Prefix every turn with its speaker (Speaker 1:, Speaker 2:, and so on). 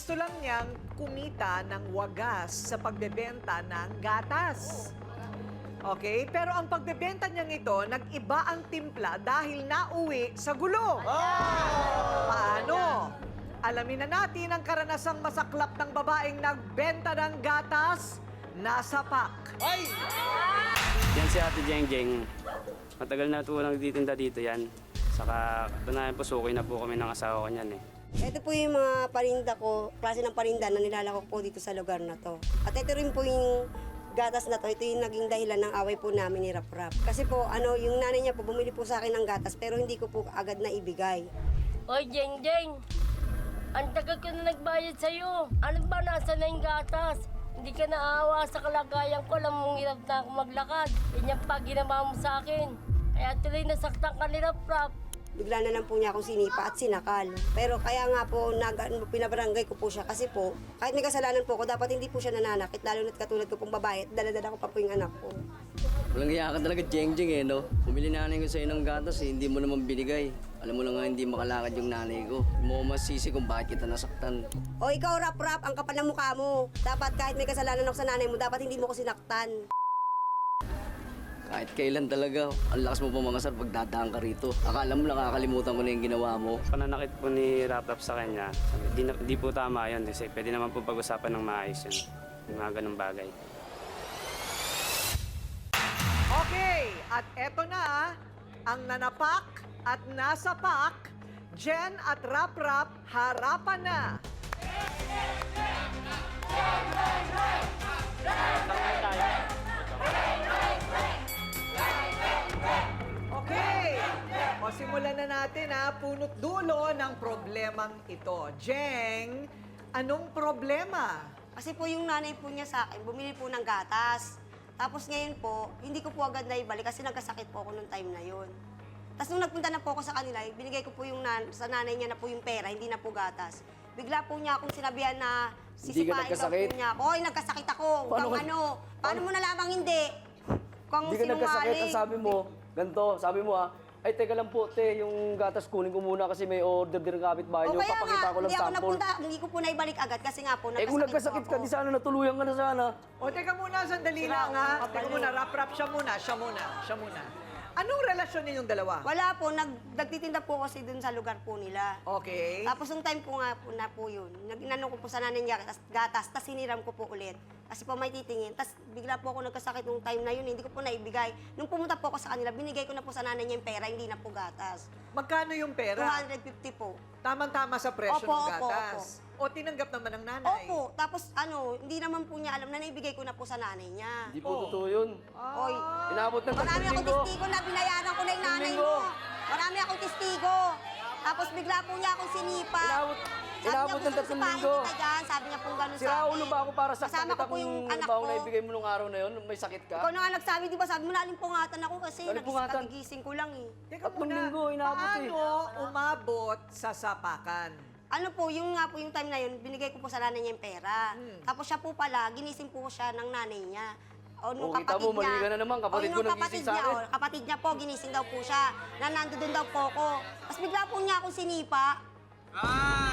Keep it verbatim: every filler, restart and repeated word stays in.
Speaker 1: gusto lang niyang kumita ng wagas sa pagbebenta ng gatas. Okay? Pero ang pagbebenta niyang ito, nag-iba ang timpla dahil nauwi sa gulo. Paano? Alamin na natin ang karanasang masaklap ng babaeng nagbenta ng gatas nasa pak.
Speaker 2: Yan si Ate Jeng Jeng. Matagal na ito nagtitinda dito yan. Saka tunayan po, suki na po kami ng asawa ko niyan eh.
Speaker 3: Ito po yung mga parinda ko, klase ng parinda na nilalako po dito sa lugar na to. At ito rin po yung gatas na to, ito yung naging dahilan ng away po namin ni Rap Rap. Kasi po, ano, yung nanay niya po bumili po sa akin ng gatas pero hindi ko po agad na ibigay.
Speaker 4: Hoy, Jeng Jeng! Ang tagal ko na nagbayad sa'yo. Ano ba nasa na yung gatas? Hindi ka naawa sa kalagayan ko. Alam mong hirap na ako maglakad. Yan yung pag ginawa mo sa akin. Kaya tuloy nasaktan ka ni Rap Rap.
Speaker 3: Bigla na lang po niya akong sinipa at sinakal. Pero kaya nga po, nag, ano, pinabarangay ko po siya kasi po, kahit may kasalanan po ko, dapat hindi po siya nananakit, lalo na't katulad ko pong babae at daladala ko pa po yung anak ko.
Speaker 5: Walang iya ka talaga, Jeng Jeng eh, no? Pumili nanay ko sa'yo ng gatas eh, hindi mo naman binigay. Alam mo lang nga hindi makalakad yung nanay ko. Hindi mo ko masisi kung bakit kita nasaktan.
Speaker 3: O ikaw, Rap Rap, ang kapal ng mukha mo. Dapat kahit may kasalanan ako sa nanay mo, dapat hindi mo ko sinaktan.
Speaker 5: Kahit kailan talaga, ang lakas mo pa mga sir pag dadaan ka rito. Akala mo nakakalimutan ko na yung ginawa mo.
Speaker 2: Pananakit po ni Rap Rap sa kanya, sabi, di, na, di po tama yun. Kasi pwede naman po pag-usapan ng maayos yun. Yung mga ganung bagay.
Speaker 1: Okay, at eto na ang nanapak at nasa pak, Jen at Rap Rap, harapan na. Okay, o simulan na natin ha, punot dulo ng problemang ito. Jeng, anong problema?
Speaker 3: Kasi po yung nanay po niya sa akin, bumili po ng gatas. Tapos ngayon po, hindi ko po agad na ibalik kasi nagkasakit po ako nung time na yun. Tapos nung nagpunta na po ako sa kanila, binigay ko po yung nan sa nanay niya na po yung pera, hindi na po gatas. Bigla po niya akong sinabihan na
Speaker 5: Hindi ka
Speaker 3: sisipain daw
Speaker 5: nagkasakit?
Speaker 3: po niya ako. Oy, nagkasakit ako.
Speaker 5: Paano
Speaker 3: Paano,
Speaker 5: ka-
Speaker 3: ano? Paano mo nalamang hindi? Kung
Speaker 5: Hindi ka nagkasakit, ang sabi mo, ganito, sabi mo ha, ay teka lang po te, yung gatas kunin ko muna kasi may order din ng kapitbahay
Speaker 3: O
Speaker 5: niyo,
Speaker 3: kaya
Speaker 5: papakita
Speaker 3: nga,
Speaker 5: ko lang
Speaker 3: hindi ako
Speaker 5: sample.
Speaker 3: napunta, hindi ko po naibalik agad kasi nga po
Speaker 5: Eh kung nagkasakit
Speaker 3: po
Speaker 5: ka,
Speaker 3: ako.
Speaker 5: di sana natuluyan ka na sana.
Speaker 1: O teka muna, sandali
Speaker 3: Sira
Speaker 1: lang
Speaker 3: ako,
Speaker 1: ha.
Speaker 3: kapal
Speaker 1: Teka
Speaker 3: yun.
Speaker 1: muna, Rap Rap, siya muna, siya muna, siya muna. Anong relasyon ninyong dalawa?
Speaker 3: Wala po, nag, nagtitinda po kasi dun sa lugar po nila.
Speaker 1: Okay.
Speaker 3: Tapos yung time po nga po na po yun, nag-inano ko po sa nanay niya gatas, gatas tas siniram ko po ulit. Kasi po may titingin. Tapos bigla po ako nagkasakit nung time na yun, hindi ko po naibigay. Nung pumunta po ako sa kanila, binigay ko na po sa nanay niya yung pera, hindi na po gatas.
Speaker 1: Magkano yung
Speaker 3: two
Speaker 1: pera?
Speaker 3: hundred fifty po.
Speaker 1: Tamang-tama sa presyo
Speaker 3: Opo,
Speaker 1: ng
Speaker 3: opo,
Speaker 1: gatas. O tinanggap naman ng nanay?
Speaker 3: Opo, tapos ano, hindi naman po niya alam na naibigay ko na po sa nanay niya.
Speaker 5: Hindi po
Speaker 1: Oh.
Speaker 5: totoo yun.
Speaker 3: Oy,
Speaker 5: Inabot ng
Speaker 3: marami
Speaker 5: tatlong
Speaker 3: akong
Speaker 5: linggo.
Speaker 3: testigo na binayaran ko na yung nanay
Speaker 5: Linggo.
Speaker 3: mo. Marami akong testigo. Tapos bigla po niya akong sinipa.
Speaker 5: Inabot- inabot ng tatlong linggo.
Speaker 3: Kita dyan. Sabi niya pong gano'n sa
Speaker 5: Sira
Speaker 3: akin.
Speaker 5: ulo ba ako para sa
Speaker 3: Kasama ko po yung anak
Speaker 5: baong
Speaker 3: ko.
Speaker 5: na ibigay mo nung araw na yun, may sakit ka?
Speaker 3: Ikaw na nga nagsabi, di ba? Sabi mo, nalimpungatan ako kasi
Speaker 5: Nalimpungatan?
Speaker 3: nagigising ko lang eh.
Speaker 1: Teka
Speaker 5: Tatlong
Speaker 1: muna,
Speaker 5: linggo, inabot eh.
Speaker 1: paano umabot sa sapakan?
Speaker 3: Ano po, yung nga po yung time na yun, binigay ko po sa nanay niya yung pera.
Speaker 5: Hmm.
Speaker 3: Tapos siya po pala, ginising po siya ng nanay niya. O nung
Speaker 5: Oh, kita
Speaker 3: kapatid
Speaker 5: mo, mali
Speaker 3: niya.
Speaker 5: ka na naman, kapatid
Speaker 3: o,
Speaker 5: ko
Speaker 3: nung
Speaker 5: nagising
Speaker 3: kapatid
Speaker 5: sa
Speaker 3: niya,
Speaker 5: akin.
Speaker 3: o, kapatid niya po, ginising daw po siya. Na nandoon daw po ako. Tapos bigla po niya akong sinipa.